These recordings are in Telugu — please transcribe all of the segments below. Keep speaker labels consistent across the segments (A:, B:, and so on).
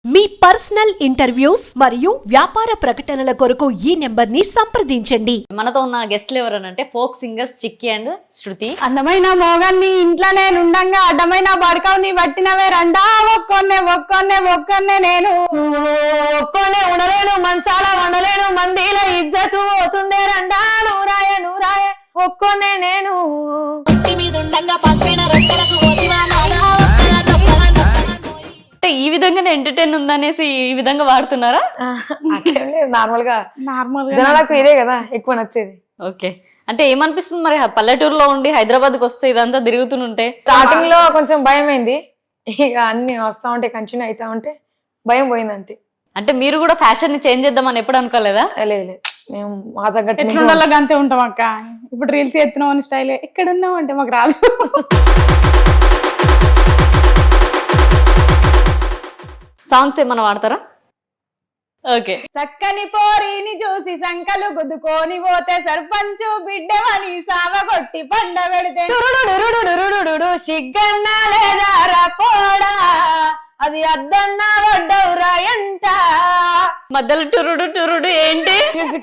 A: మీ పర్సనల్ ఇంటర్వ్యూస్ మరియు వ్యాపార ప్రకటనల కొరకు ఈ నెంబర్ ని సంప్రదించండి.
B: మనతో ఉన్న గెస్ట్లు ఎవరనంటే folk singers Chikki and Shruti.
C: అందమైన మోగాన్ని ఇంట్లోనే నుండంగా అడ్డమైన బడకవుని పట్టినవే రండా ఒక్కొన్నే ఒక్కొన్నే ఒక్కొన్నే నేను ఒక్కొన్నే ఉండలేను మంచాల వండలేను మందిల ఇజ్జతు పోతుందే రండా నూరాయ నూరాయ ఒక్కొన్నే నేను
B: అంటే ఈ విధంగానే ఎంటర్టైన్ ఉందనేసి ఈ విధంగా వాడుతున్నారా?
D: నార్మల్ గా జనాలకు ఇదే కదా ఎక్కువ నచ్చేది.
B: ఓకే, అంటే ఏమనిపిస్తుంది మరి పల్లెటూరులో ఉండి హైదరాబాద్కి వస్తే ఇదంతా తిరుగుతుంటే?
D: స్టార్టింగ్ లో కొంచెం భయం అయింది, ఇక అన్ని వస్తా ఉంటే కంటిన్యూ అవుతా ఉంటే భయం పోయింది అంతే.
B: అంటే మీరు కూడా ఫ్యాషన్ ని చేంజ్ చేద్దామని ఎప్పుడు అనుకోలేదా?
D: లేదు లేదు, మేము మా తగ్గట్టు
C: ఎట్లుండాలో అంతే ఉంటాం అక్క. ఇప్పుడు రీల్స్ ఎత్తున్నాం అని స్టైల్ ఎక్కడ ఉన్నాం అంటే మాకు రాదు.
B: సాంగ్స్ ఏమన్నా వాడతారా? ఓకే.
C: చక్కని పోరిని చూసి సంకలు గుద్దుకొని పోతే సర్పంచు బిడ్డవని సావగొట్టి పండ పెడితే
D: సిగ్గన్నా లేదా రాపోడా అది అద్దన్నా వడ్డవురా ఎంట
B: మధ్యలో టురుడు టురుడు ఏంటి?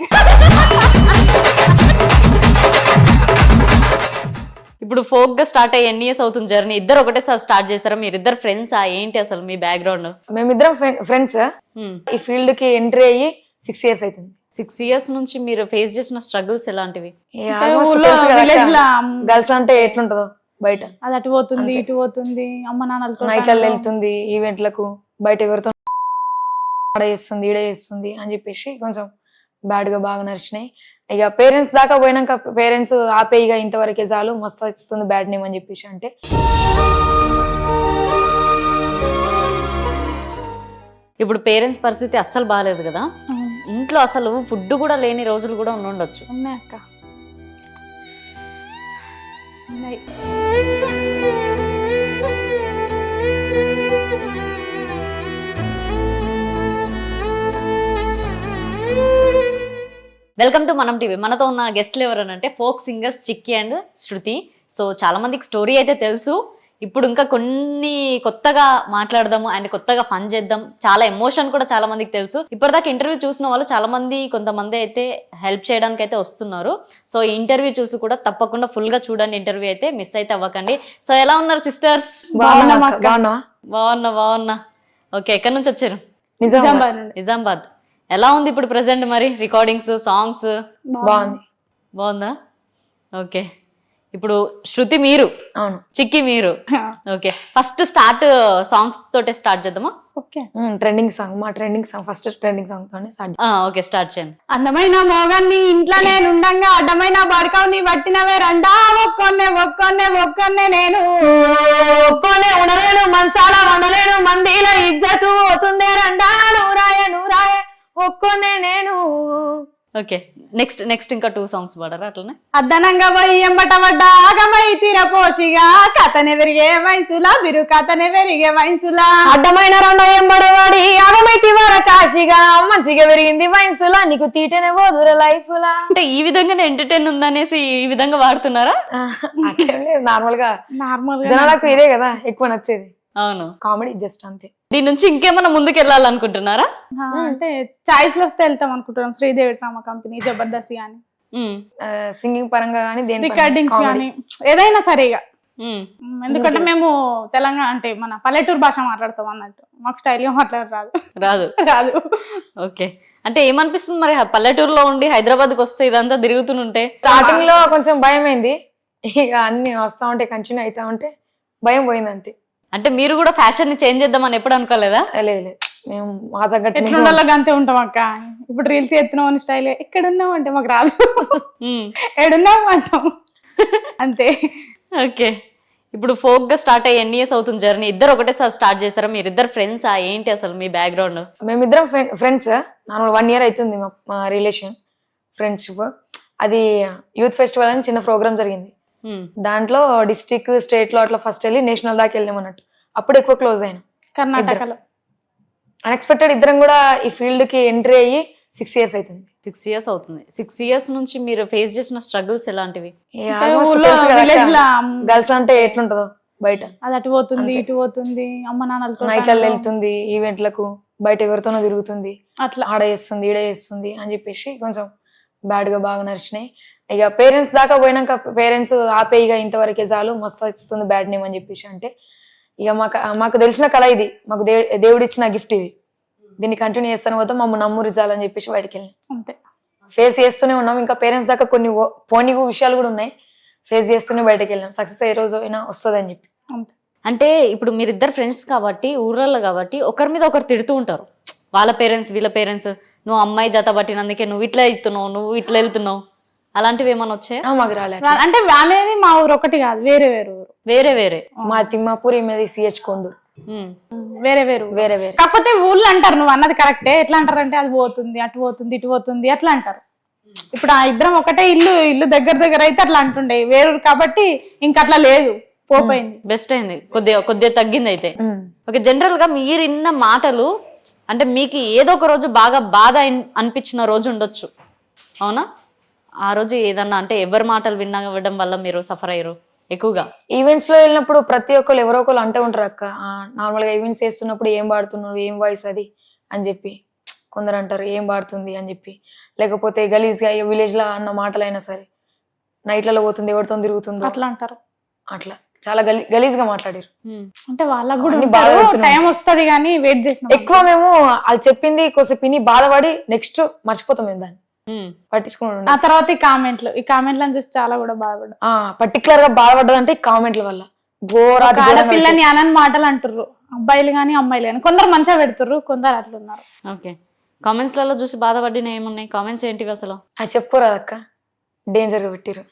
B: ఇప్పుడు ఫోక్ గా స్టార్ట్ అయ్యి ఎన్ని ఇయర్స్ అవుతుంది జర్నీ? ఇద్దరు ఒకటేసారి స్టార్ట్ చేస్తారా? మీరు ఇద్దరు ఫ్రెండ్సా ఏంటి అసలు మీ బ్యాక్గ్రౌండ్?
D: మేమిద్దరం ఫ్రెండ్స్. ఈ ఫీల్డ్ కి ఎంట్రీ అయ్యి 6 years అవుతుంది.
B: 6 years నుంచి మీరు ఫేస్ చేసిన స్ట్రగుల్స్ ఎలాంటివి?
D: గర్ల్స్ అంటే ఎట్లుంటదో బయట,
C: అది అటు పోతుంది ఇటు పోతుంది, అమ్మ నాన్నలతో
D: నైట్లలో వెళ్తుంది, ఈవెంట్లకు బయట ఎవరితో ఆడ చేస్తుంది ఈడ చేస్తుంది అని చెప్పేసి కొంచెం బ్యాడ్ గా బాగా నడిచినాయి. ఇక పేరెంట్స్ దాకా పోయినాక పేరెంట్స్ ఆపే ఇక ఇంతవరకే చాలు, మస్తు ఇస్తుంది బ్యాడ్ నేమ్ అని చెప్పేసి అంటే.
B: ఇప్పుడు పేరెంట్స్ పరిస్థితి అస్సలు బాగాలేదు కదా, ఇంట్లో అసలు ఫుడ్ కూడా లేని రోజులు కూడా ఉండొచ్చు.
C: ఉన్నాయి అక్క, ఉన్నాయి.
B: Welcome to Manam TV. మనతో ఉన్న గెస్ట్లు ఎవరనంటే folk singers Chikki and Shruti. So చాలా మందికి స్టోరీ అయితే తెలుసు, ఇప్పుడు ఇంకా కొన్ని కొత్తగా మాట్లాడదాము అండ్ కొత్తగా ఫన్ చేద్దాం. చాలా ఎమోషన్ కూడా చాలా మందికి తెలుసు. ఇప్పటిదాకా ఇంటర్వ్యూ చూసిన వాళ్ళు చాలా మంది, కొంతమంది అయితే హెల్ప్ చేయడానికి అయితే వస్తున్నారు. సో ఈ ఇంటర్వ్యూ చూసి కూడా తప్పకుండా ఫుల్ గా చూడండి, ఇంటర్వ్యూ అయితే మిస్ అయితే అవ్వకండి. సో ఎలా ఉన్నారు సిస్టర్స్? బాగున్నా. ఓకే, ఎక్కడి నుంచి వచ్చారు? నిజామాబాద్. ఎలా ఉంది ఇప్పుడు ప్రెసెంట్ మరి రికార్డింగ్స్, సాంగ్స్? బాగుందా? ఓకే, ఇప్పుడు శృతి మీరు,
D: అవును,
B: చిక్కి మీరు. ఓకే, ఫస్ట్ స్టార్ట్ సాంగ్స్ తోటే స్టార్ట్ చేద్దామా?
D: ఓకే, ట్రెండింగ్ సాంగ్, మా trending song, first trending song తోనే స్టార్ట్.
B: ఓకే, స్టార్ట్ చేయండి.
C: అందమైన మోగాన్ని ఇంట్లోనే నుండంగా అడ్డమైన బడకవుని పట్టినవే రండా ఒక్కొన్నే ఒక్కొన్నే ఒక్కొన్నే నేను
D: ఒక్కొన్నే ఉండలేను మంచాల వండలేను మందిల ఇజ్జతు పోతుందే రండా నూరాయ నూరాయ ఒక్కొన్నే నేను.
B: ఓకే, నెక్స్ట్ ఇంకా 2 songs పాడరా అట్లనే?
C: అద్దనంగా పోయి ఎంబట పడ్డ ఆగమై తీరపోషిగా కథనే పెరిగే వయసులా బిరు కథనే పెరిగే వయసులా
D: అడ్డమైన రెండో ఎంబడవాడి ఆగమైతి వర కాశిగా మంచిగా పెరిగింది వయసులా నీకు తీటనే పోదుర లైఫ్ లా.
B: అంటే ఈ విధంగానే ఎంటర్టైన్ ఉందనేసి ఈ విధంగా వాడుతున్నారా?
D: నార్మల్ గా జనాలకు ఇదే కదా ఎక్కువ నచ్చేది.
B: అవును,
D: కామెడీ జస్ట్ అంతే.
B: దీని నుంచి ఇంకేమన్నా ముందుకు వెళ్ళాలనుకుంటున్నారా?
C: అంటే చాయిస్ లో వస్తే వెళ్తాం అనుకుంటున్నాం. శ్రీదేవి డ్రామా కంపెనీ, జబర్దస్త్ గానీ,
D: సింగింగ్ పరంగా కానీ
C: రికార్డింగ్స్ కానీ ఏదైనా సరిగా. ఎందుకంటే మేము తెలంగాణ అంటే మన పల్లెటూరు భాష మాట్లాడతాం అన్నట్టు, మాకు స్టైల్ గా మాట్లాడరాదు. రాదు.
B: ఓకే, అంటే ఏమనిపిస్తుంది మరి పల్లెటూరులో ఉండి హైదరాబాద్కి వస్తే ఇదంతా తిరుగుతుంటే?
D: స్టార్టింగ్ లో కొంచెం భయం అయింది, ఇక అన్ని వస్తా ఉంటే కంటిన్యూ అవుతా ఉంటే భయం పోయింది అంతే.
B: అంటే మీరు కూడా ఫ్యాషన్ ని చేంజ్ చేద్దామని ఎప్పుడు అనుకోలేదా?
D: లేదు లేదు, మేము మా తగ్గట్టు
C: ఎట్లుండాలో అంతే ఉంటాం అక్క. ఇప్పుడు రీల్స్ ఎత్తున్నాం అని స్టైల్ ఎక్కడ ఉన్నాం అంటే మాకు రాదు. ఏడున్నాం అంటాం అంతే.
B: ఓకే, ఇప్పుడు ఫోక్ గా స్టార్ట్ అయ్యి ఎన్ని ఇయర్స్ అవుతుంది జర్నీ? ఇద్దరు ఒకటేసారి స్టార్ట్ చేస్తారా? మీరు ఇద్దరు ఫ్రెండ్సా ఏంటి అసలు మీ బ్యాక్గ్రౌండ్?
D: మేమిద్దరం ఫ్రెండ్స్. నార్మల్ 1 year అవుతుంది మా రిలేషన్ ఫ్రెండ్షిప్. అది యూత్ ఫెస్టివల్ అని చిన్న ప్రోగ్రామ్ జరిగింది, దాంట్లో డిస్ట్రిక్ట్ స్టేట్ లో అట్లా ఫస్ట్ వెళ్ళి నేషనల్ దాకా వెళ్ళాం అన్నట్టు. అప్పుడు ఎక్కువ క్లోజ్ అయినా
C: కర్ణాటకలో.
D: అన్ఎక్స్పెక్టెడ్ ఇద్దరం కూడా ఈ ఫీల్డ్ కి ఎంట్రీ అయ్యి 6 years అవుతుంది.
B: 6 years అవుతుంది. 6 years నుంచి మీరు ఫేస్ చేసిన స్ట్రగుల్స్ ఎలాంటివి?
D: గర్ల్స్ అంటే ఎట్లుంటదో బయట,
C: అది అటు పోతుంది ఇటు పోతుంది, అమ్మ నాన్నలతో
D: నైట్లలో వెళ్తుంది, ఈవెంట్లకు బయట ఎవరితోనో తిరుగుతుంది,
C: అట్లా
D: ఆడ చేస్తుంది ఈడ చేస్తుంది అని చెప్పేసి కొంచెం బ్యాడ్ గా బాగా నడిచినాయి. ఇక పేరెంట్స్ దాకా పోయినాక పేరెంట్స్ ఆపే ఇక ఇంతవరకే చాలు, మస్తు ఇస్తుంది బ్యాడ్ నేమ్ అని చెప్పేసి అంటే ఇక మాకు తెలిసిన కళ ఇది, మాకు దేవుడు ఇచ్చిన గిఫ్ట్ ఇది, దీన్ని కంటిన్యూ చేస్తాను పోతే మమ్మల్ని నమ్మురు చాలని చెప్పేసి బయటకు వెళ్ళినాం.
C: అంతే.
D: ఫేస్ చేస్తూనే ఉన్నాం, ఇంకా పేరెంట్స్ దాకా కొన్ని పోనీ విషయాలు కూడా ఉన్నాయి, ఫేస్ చేస్తూనే బయటకు వెళ్ళాం. సక్సెస్ ఏ రోజు అయినా వస్తుంది అని చెప్పి.
C: అంతే.
B: అంటే ఇప్పుడు మీరిద్దరు ఫ్రెండ్స్ కాబట్టి ఊర్లలో కాబట్టి ఒకరి మీద ఒకరు తిడుతూ ఉంటారు, వాళ్ళ పేరెంట్స్ వీళ్ళ పేరెంట్స్, నువ్వు అమ్మాయి జత పట్టినందుకే నువ్వు ఇట్లా ఇస్తున్నావు, నువ్వు ఇట్లా వెళ్తున్నావు, అలాంటివి ఏమన్నా వచ్చాయా?
D: మాకు రాలేదు.
C: అంటే అనేది మా ఊరు ఒకటి కాదు, వేరే వేరే ఊరు.
B: వేరే వేరే
D: మా తిమ్మాపూర్ మీద సిహెచ్ కొండు
C: వేరే వేరు
D: వేరే వేరే.
C: కాకపోతే ఊళ్ళో అంటారు, నువ్వు అన్నది కరెక్టే. ఎట్లా అంటారంటే అది పోతుంది, అటు పోతుంది, ఇటు పోతుంది అట్లా అంటారు. ఇప్పుడు ఆ ఇద్దరం ఒకటే ఇల్లు దగ్గర దగ్గర అయితే అట్లా అంటుండే, వేరు కాబట్టి ఇంక అట్లా లేదు, పోపోయింది.
B: బెస్ట్ అయింది, కొద్దిగా తగ్గింది అయితే. ఓకే, జనరల్ గా మీరు విన్న మాటలు అంటే మీకు ఏదో ఒక రోజు బాగా బాధ అనిపించిన రోజు ఉండొచ్చు, అవునా? ఆ రోజు ఏదన్నా అంటే ఎవరి మాటలు వినడం వల్ల మీరు సఫర్ అయ్యారు ఎక్కువగా?
D: ఈవెంట్స్ లో వెళ్ళినప్పుడు ప్రతి ఒక్కరు ఎవరో ఒకరు అంటూ ఉంటారు అక్క, నార్మల్ గా ఈవెంట్స్ చేస్తున్నప్పుడు ఏం పాడుతున్నారు, ఏం వాయిస్ అది అని చెప్పి కొందరు అంటారు, ఏం పాడుతుంది అని చెప్పి. లేకపోతే గలీజ్ గా విలేజ్ లో అన్న మాటలైనా సరే, నైట్లలో పోతుంది, ఎవరితో తిరుగుతుందో
C: అట్లా అంటారు.
D: అట్లా చాలా గలీజ్ గా మాట్లాడారు.
C: అంటే వాళ్ళకు కూడా
D: అన్ని బాధ పెడుతున్నాయి.
C: టైం వస్తుంది కానీ వెయిట్ చేసిన
D: ఎక్కువ మేము వాళ్ళు చెప్పింది కొంచెం విని బాధపడి నెక్స్ట్ మర్చిపోతాం మేము దాన్ని పట్టించుకున్నాడు.
C: ఆ తర్వాత ఈ కామెంట్లను చూసి చాలా కూడా బాధపడ్డా.
D: పర్టికులర్ గా బాధపడ్డదంటే ఈ కామెంట్ల వల్ల
C: ఆడపిల్లని అనని మాటలు అంటుర్రు, అబ్బాయిలు గాని అమ్మాయిలు గాని. కొందరు మంచిగా పెడుతుర్రు, కొందరు అట్లున్నారు.
B: ఓకే, కామెంట్స్ లలో చూసి బాధపడిన ఏమున్నాయి? కామెంట్స్ ఏంటివి అసలు?
D: అది చెప్పుకోరాదు అక్క, డేంజర్ గా పెట్టిరు.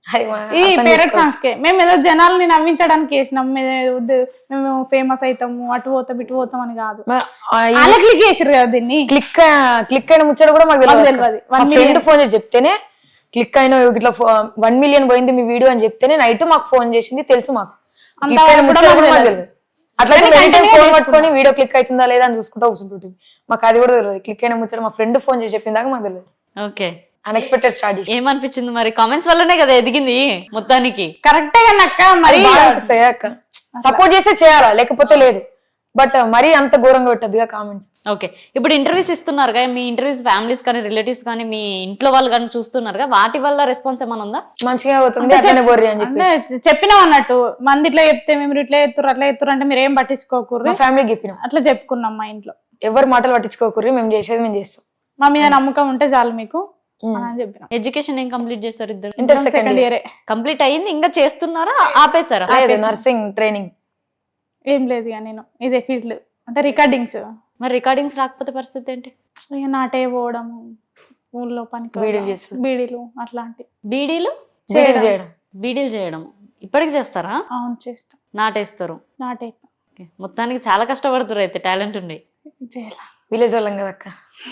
C: ఈ పేరెంట్ సాంగ్స్ కే మేము ఏదో జనాల్ని నవ్వించడానికి వేసినాం, మేము ఫేమస్ అవుతాము, అటు పోతాం ఇటు పోతాం అని కాదు. అలా క్లిక్ చేసారు కదా దీన్ని.
D: క్లిక్ అయిన ముచ్చట కూడా మాకు తెలియదు. మా ఫ్రెండ్ ఫోన్ చేసి చెప్తేనే క్లిక్ అయిన ఇట్లా 1 మిలియన్ పోయింది మీ వీడియో అని చెప్తేనే నైట్ మాకు ఫోన్ చేసింది, తెలుసు మాకు. క్లిక్ అయిన ముచ్చట కూడా మాకు తెలియదు. అట్లా ఫోన్ పట్టుకొని వీడియో క్లిక్ అవుతుందా లేదా అని చూసుకుంటా కూర్చుంటుంది. మాకు అది కూడా తెలియదు. క్లిక్ అయిన ముచ్చట మా ఫ్రెండ్ ఫోన్ చేసి చెప్పిన దాకా మాకు తెలియదు.
B: ఓకే,
D: అన్ఎక్స్పెక్టెడ్ స్టార్ట్ చేసి.
B: ఏమనిపించింది మరి? కామెంట్స్ వల్లనే కదా ఎదిగింది మొత్తానికి.
C: కరెక్టే కానీ అక్క, మరి
D: అనిపిస్తాయి అక్క, సపోర్ట్ చేసే చేయాలా, లేకపోతే లేదు. బట్ మరీ అంత ఘోరంగా పెట్టద్దుగా కామెంట్స్.
B: ఓకే, ఇప్పుడు ఇంటర్వ్యూస్ ఇస్తున్నారుగా, మీ ఇంటర్వ్యూస్ ఫ్యామిలీస్ కానీ రిలేటివ్స్ కానీ మీ ఇంట్లో వాళ్ళు కానీ చూస్తున్నారుగా, వాటి వల్ల రెస్పాన్స్ ఏమైనా ఉందా?
D: మంచిగా అవుతుంది, అట్లనే బొర్రి అని చెప్పి
C: చెప్పినాం అన్నట్టు. మంది ఇట్లా చెప్తే మేము ఇట్లా ఎత్తురు అట్లా ఎత్తురు అంటే మీరు ఏం పట్టించుకోకూర్రి,
D: ఫ్యామిలీకి చెప్పినాం.
C: అట్లా చెప్పుకున్నాం మా ఇంట్లో.
D: ఎవరు మాటలు పట్టించుకోకూర్రి, మేము చేసేది మేము చేస్తాం,
C: మా మీద నమ్మకం ఉంటే చాలు మీకు అని చెప్పినాం.
B: ఎడ్యుకేషన్ ఏం కంప్లీట్ చేశారు ఇద్దరు?
D: ఇంటర్ సెకండ్ ఇయర్
B: కంప్లీట్ అయ్యింది, ఇంకా చేస్తున్నారా ఆపేశారా?
D: నర్సింగ్ ట్రైనింగ్
C: ఏం లేదు ఇక నేను ఇదే ఫీల్డ్ అంటే రికార్డింగ్స్.
B: మరి రికార్డింగ్స్ రాకపోతే పరిస్థితి ఏంటి?
C: ఇక నాటే పోవడము, ఊళ్ళో పనికి బీడీలు అట్లాంటి.
B: బీడీలు
D: చేయడం,
B: బీడీలు చేయడం ఇప్పటికి చేస్తారా?
C: అవును చేస్తాం.
B: నాటేస్తారు?
C: నాటే.
B: మొత్తానికి చాలా కష్టపడుతారు అయితే, టాలెంట్ ఉండి.
D: విలేజ్ వాళ్ళం కదక్క,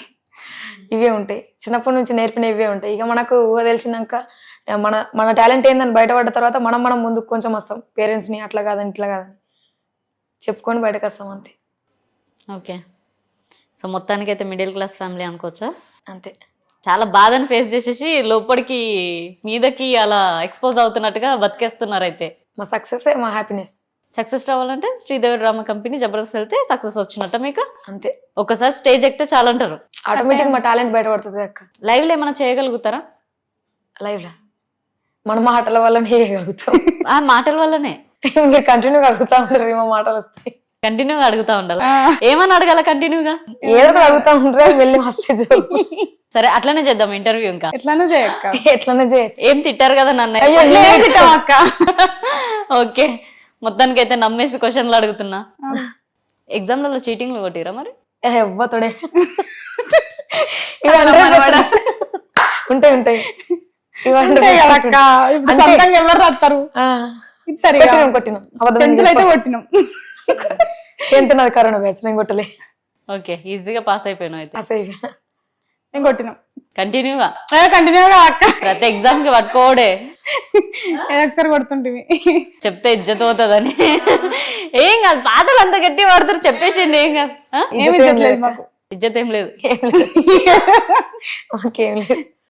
D: ఇవే ఉంటాయి, చిన్నప్పటి నుంచి నేర్పిన ఇవే ఉంటాయి. ఇక మనకు తెలిసినాక మన టాలెంట్ ఏందని బయటపడ్డ తర్వాత మనం ముందుకు కొంచెం వస్తాం. పేరెంట్స్ ని అట్లా కాదని ఇట్లా కాదని చెప్పుకొని బయటకు వస్తాం, అంతే.
B: ఓకే, సో మొత్తానికి అయితే మిడిల్ క్లాస్ ఫ్యామిలీ అనుకోవచ్చా?
D: అంతే.
B: చాలా బాధను ఫేస్ చేసేసి లోపలికి మీదకి అలా ఎక్స్పోజ్ అవుతున్నట్టుగా బతికేస్తున్నారు అయితే.
D: మా సక్సెస్ మా హ్యాపీనెస్.
B: సక్సెస్ రావాలంటే శ్రీదేవి డ్రామా కంపెనీ జబర్దస్త్ వెళ్తే సక్సెస్ వచ్చినట్ట మీకు?
D: అంతే.
B: ఒకసారి స్టేజ్ ఎక్కితే చాలా అంటారు,
D: ఆటోమేటిక్ మా టాలెంట్ బయటపడుతుంది అక్క.
B: లైవ్ లో ఏమైనా చేయగలుగుతారా?
D: లైవ్ లా మన మాటల వల్లనే చేయగలుగుతాం.
B: ఆ మాటల వల్లనే
D: మీరు కంటిన్యూగా అడుగుతా ఉంటారు, మా మాటలు వస్తాయి.
B: కంటిన్యూగా అడుగుతా ఉండాలి. ఏమని అడగాల కంటిన్యూగా?
D: ఏదో ఒకటి అడుగుతా ఉంటారు, వెళ్ళి వస్తే.
B: సరే అట్లనే చేద్దాం ఇంటర్వ్యూ. ఇంకా
C: ఎట్లనే చేయక్క,
D: ఎట్లనే చేయ.
B: ఏం తిట్టారు కదా నన్ను? ఓకే, మొత్తానికి అయితే నమ్మేసి క్వశ్చన్లు అడుగుతున్నా. ఎగ్జామ్లలో చీటింగ్లు కొట్టిరా మరి?
D: ఎవ్వతోడే ఉంటాయి.
C: ఎవరు రాస్తారు?
D: కొట్టినాం, ఎంత నాది కరోనా బ్యాచ్, నేను కొట్టలే.
B: ఓకే, ఈజీగా పాస్ అయిపోయినావు అయితే.
D: పాస్ అయిపోయినా,
C: నేను కొట్టినాం
B: కంటిన్యూగా
C: అక్క.
B: ప్రతి ఎగ్జామ్ కి పట్టుకోడే
C: ఒకసారి కొడుతుంటివి,
B: చెప్తే ఇజ్జత్ పోతుందని. ఏం కాదు, పాతలు అంత గట్టి పడతారు, చెప్పేసిండి. ఏం కాదు,
C: ఏమి ఇజ్జత్ లేదు మాకు.
B: ఇజ్జత్ ఏం లేదు.
D: మాకేం లేదు.